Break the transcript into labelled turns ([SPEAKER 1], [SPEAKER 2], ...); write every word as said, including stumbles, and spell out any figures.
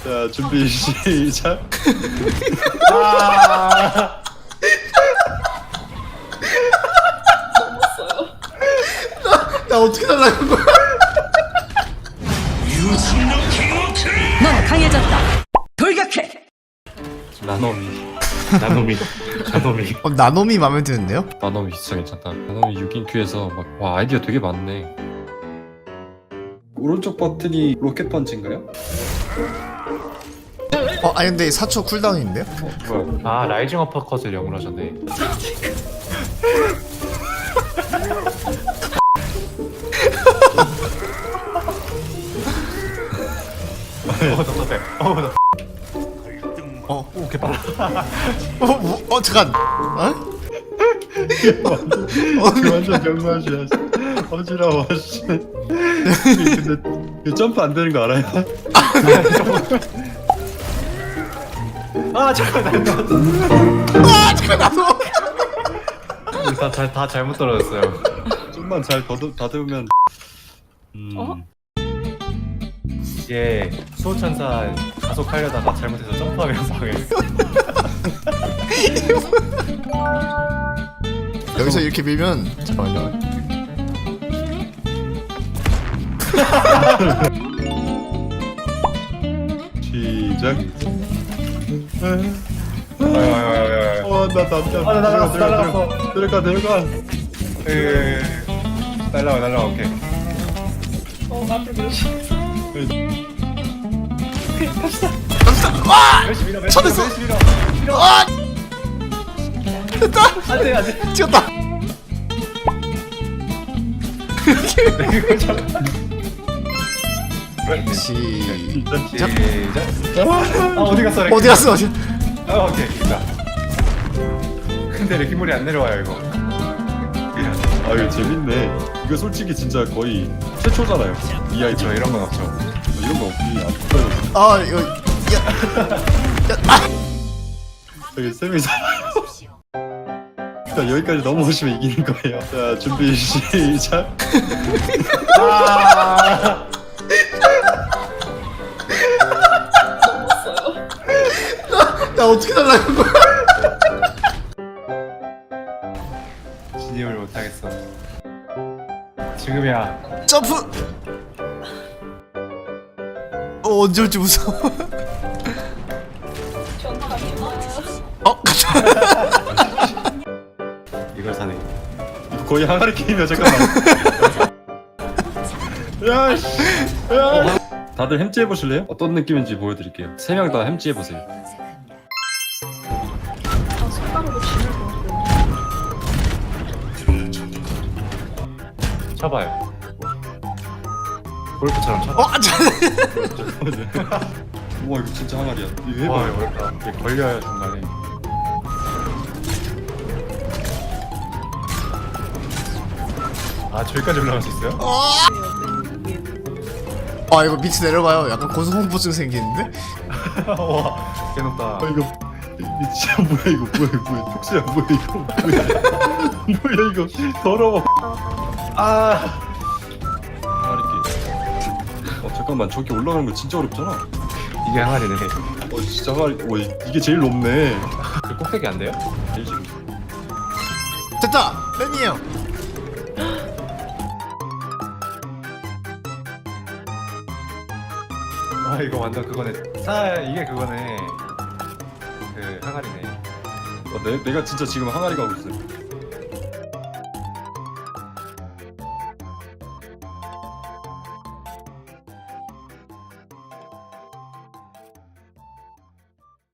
[SPEAKER 1] 자, 준비 시작. 아.
[SPEAKER 2] 나 어떻게 날라간 거야?
[SPEAKER 3] 넌 강해졌다. 돌격해.
[SPEAKER 4] 나노미 나노미 나노미
[SPEAKER 2] 어, 나노미 마음에 드는데요?
[SPEAKER 4] 나노미 진짜 괜찮다. 나노미 육 인 큐에서 막 와 아이디어 되게 많네.
[SPEAKER 1] 오른쪽 버튼이 로켓 펀치인가요?
[SPEAKER 2] 어, 아니 근데 사 초 쿨다운인데요?
[SPEAKER 4] 뭐야? 아 라이징 어퍼컷을 영어로 하셨네. 어 답답해. 어 나.
[SPEAKER 2] 어,
[SPEAKER 4] 오 개빨라.
[SPEAKER 2] 어, 뭐, 어, 잠깐. 어?
[SPEAKER 1] 그 완전 병맛이야. 어지러워. 씨. 근데 그 점프 안 되는 거 알아요?
[SPEAKER 4] 아 잠깐 나.
[SPEAKER 2] 아, 잠깐 나도.
[SPEAKER 4] 다다 다 잘못 떨어졌어요.
[SPEAKER 1] 좀만 잘 더듬, 다듬으면. 음.
[SPEAKER 3] 어?
[SPEAKER 4] 이게 수호천사 가속하려다가 잘못해서 점프하면 망했어.
[SPEAKER 2] 여기서 이렇게 밀면 잠깐만요.
[SPEAKER 1] 시작.
[SPEAKER 4] 아야야야야.
[SPEAKER 1] 어, 나 남자.
[SPEAKER 4] 아, 나 날아갔어, 날아갔어.
[SPEAKER 1] 들어가, 들어가.
[SPEAKER 4] 에 날라와 날라와 오케이.
[SPEAKER 3] 어, 나도 그러시.
[SPEAKER 2] 와!
[SPEAKER 4] 열심히 밀어
[SPEAKER 2] 쳐냈어.
[SPEAKER 4] 열심히 밀어.
[SPEAKER 2] 아! 됐다.
[SPEAKER 4] 안돼 안돼.
[SPEAKER 2] 찍었다. 시.
[SPEAKER 4] 시작. 아 어디 갔어? 레키?
[SPEAKER 2] 어디 갔어? 어디?
[SPEAKER 4] 아 오케이 있다. 근데 레키몰이 안 내려와요 이거.
[SPEAKER 1] 아, 이거 재밌네. 이거 솔직히 진짜 거의 최초잖아요. 이 아이디.
[SPEAKER 4] 저 이런 건 없죠.
[SPEAKER 1] 이런 거 없기 안 붙어요.
[SPEAKER 2] 아, 이거 야. 야. 아!
[SPEAKER 1] 여기 쌤이 일단 여기까지 넘어오시면 이기는 거예요. 자, 준비 시작. 아!
[SPEAKER 2] 나 어떻게 날라간 거야?
[SPEAKER 4] 진입을 못하겠어. 지금이야.
[SPEAKER 2] 점프. 어, 언제 올지 무서워. 어?
[SPEAKER 4] 이걸 사네.
[SPEAKER 1] 이거 거의 항아리 게임이야. 잠깐만. 야, 씨. 야. 다들 햄찌 해보실래요? 어떤 느낌인지 보여드릴게요. 세 명 다 햄찌 해보세요.
[SPEAKER 3] 아, 손가락으로 쥐를 보는데.
[SPEAKER 4] 쳐봐요. 골프처럼 쳐봐.
[SPEAKER 2] 어, 자.
[SPEAKER 1] 우와, 이거 진짜 항아리야. 이거
[SPEAKER 4] 와
[SPEAKER 1] 해봐.
[SPEAKER 4] 이거 어렵다. 이게 걸려요 중간에. 아 저기까지 올라갈 수 있어요?
[SPEAKER 2] 아, 이거 밑에 내려봐요. 약간 고소공포증 생기는데?
[SPEAKER 4] 와 개높다.
[SPEAKER 1] 아, 이거 이 진짜 뭐야 이거 뭐야 이거 뭐야 톡스야 뭐야 이거 뭐야 뭐야 이거 더러워. 아. 항아리 게임. 어 잠깐만 저기 올라가는 거 진짜 어렵잖아.
[SPEAKER 4] 이게 항아리네.
[SPEAKER 1] 어 진짜 항아리. 어 이- 이게 제일 높네.
[SPEAKER 4] 그 꼭대기 안 돼요?
[SPEAKER 1] 제일 지금.
[SPEAKER 2] 됐다. 팬이에요.
[SPEAKER 4] 와 이거 완전 그거네. 사 이게 그거네. 그 항아리네.
[SPEAKER 1] 어, 내, 내가 진짜 지금 항아리 가고 있어.